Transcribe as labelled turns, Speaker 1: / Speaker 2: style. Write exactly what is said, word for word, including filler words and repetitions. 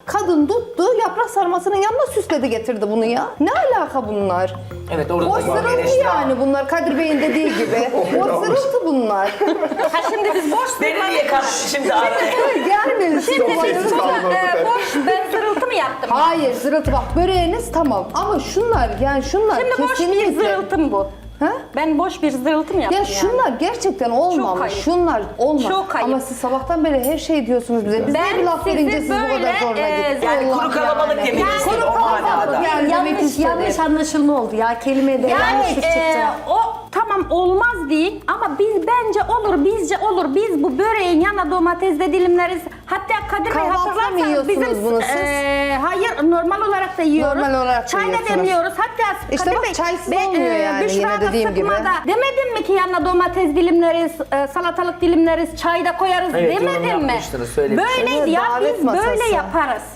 Speaker 1: Kadın tuttu yaprak sarmasının yanına süsledi getirdi bunu ya. Ne alaka bunlar?
Speaker 2: Evet orada
Speaker 1: Boş
Speaker 2: da var,
Speaker 1: zırıltı
Speaker 2: eleştiri var.
Speaker 1: yani bunlar Kadir Bey'in dediği gibi. Boş zırıltı bunlar.
Speaker 3: Ha şimdi biz boş
Speaker 2: Beni niye kattın şimdi araya?
Speaker 1: Gelmeyin
Speaker 3: Şimdi biz
Speaker 4: sessiz kaldım
Speaker 3: e,
Speaker 4: orada.
Speaker 3: boş ben zırıltı mı yaptım?
Speaker 1: Hayır zırıltı bak böreğiniz tamam ama şunlar yani şunlar
Speaker 3: Şimdi boş bir
Speaker 1: kesinlikle.
Speaker 3: zırıltım bu.
Speaker 1: Ha?
Speaker 3: Ben boş bir zırıltı mı yaptım
Speaker 1: Ya şunlar
Speaker 3: yani?
Speaker 1: gerçekten olmamış.
Speaker 3: ayıp.
Speaker 1: Şunlar olmamış.
Speaker 3: Çok ayıp.
Speaker 1: Ama siz sabahtan beri her şey diyorsunuz bize. Biz
Speaker 3: Ben
Speaker 1: de bir laf
Speaker 3: sizi
Speaker 1: verince siz bu
Speaker 3: böyle,
Speaker 1: kadar zoruna
Speaker 3: e,
Speaker 1: gitti.
Speaker 2: Yani
Speaker 1: Allah
Speaker 2: kuru kalabalık
Speaker 1: yani.
Speaker 2: demek
Speaker 1: Yani
Speaker 2: istedim,
Speaker 1: Kuru
Speaker 2: o
Speaker 1: kalabalık
Speaker 2: manada.
Speaker 1: yani demek
Speaker 5: yanlış,
Speaker 1: istedim.
Speaker 5: yanlış anlaşılma oldu ya. Kelimede
Speaker 3: Yani
Speaker 5: yanlış çıktı.
Speaker 3: e, o tamam olmaz değil ama biz bence olur bizce olur. Biz bu böreğin yanına domates de dilimleriz. Hatta Kadir Bey
Speaker 1: Kahvaltıda mı
Speaker 3: hatırlarsanız
Speaker 1: yiyorsunuz
Speaker 3: bizim
Speaker 1: bunu siz?
Speaker 3: e, hayır normal olarak da yiyoruz.
Speaker 1: Normal olarak da
Speaker 3: Çay da
Speaker 1: yiyorsunuz.
Speaker 3: demliyoruz. Hatta
Speaker 1: İşte
Speaker 3: Kadir
Speaker 1: bak,
Speaker 3: Bey,
Speaker 1: çaysız
Speaker 3: be-
Speaker 1: olmuyor yani,
Speaker 3: Büşra
Speaker 1: yine
Speaker 3: da
Speaker 1: dediğim gibi.
Speaker 3: sıkmada Demedim mi ki yanına domates dilimleriz, e, salatalık dilimleriz, çay da koyarız
Speaker 2: Evet, yorum
Speaker 3: demedim mi?
Speaker 2: yapmıştınız, söylemiştiniz.
Speaker 3: Böyleydi ya
Speaker 1: Davet
Speaker 3: biz
Speaker 1: masası.
Speaker 3: böyle yaparız.